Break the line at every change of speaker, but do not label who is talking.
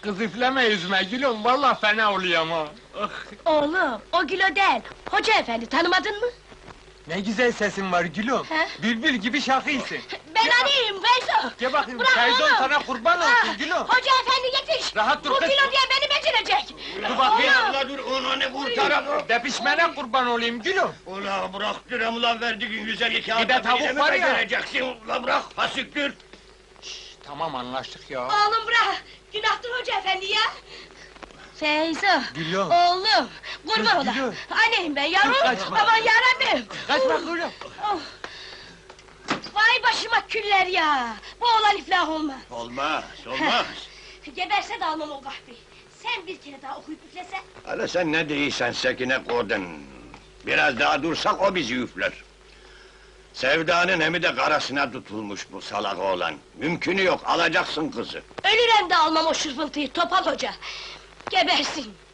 Kız üfleme yüzüme gülüm, vallahi fena oluyor ha! Ah!
Oğlum, o Gülo değil, hoca efendi, tanımadın mı?
Ne güzel sesin var gülüm!
He?
Bülbül gibi şakıysın!
Ben anayım, Feyzo!
Gel bakayım,
Bırak
Feyzon
oğlum!
sana kurban olsun
Ah,
gülüm!
Hoca efendi yetiş!
Rahat dur
Bu
kız!
Gülo diye beni becerecek!
Dur bakayım!
Ula dur, onu ne kurtaralım?
Depişmene kurban olayım gülüm!
Ula bırak diyorum, ulan verdiğin 150 kağıt.
Bir de tavuk var ya.
Vereceksin, ula bırak, fasiktir!
Tamam, anlaştık ya!
Oğlum bırak! Günahtır hoca efendi ya! Feyzo!
Gülüm!
Oğlum! Kurban
Kız,
ola!
gülüm!
Aneyim ben yavrum!
Kız, kaçma!
Aman yarabbim!
Kaçma gülüm!
Oh! Vay başıma küller ya! Bu oğlan iflah olmaz!
Olmaz, olmaz!
Geberse de almam o kahveyi! Sen bir kere daha okuyup üflesen!
Hala sen ne değilsen Sekine Kodun! Biraz daha dursak o bizi üfler! Sevdanın hemi de karasına tutulmuş bu salak oğlan! Mümkünü yok, alacaksın kızı!
Ölürem de almam o şırfıntıyı, Topal Hoca! Gebersin!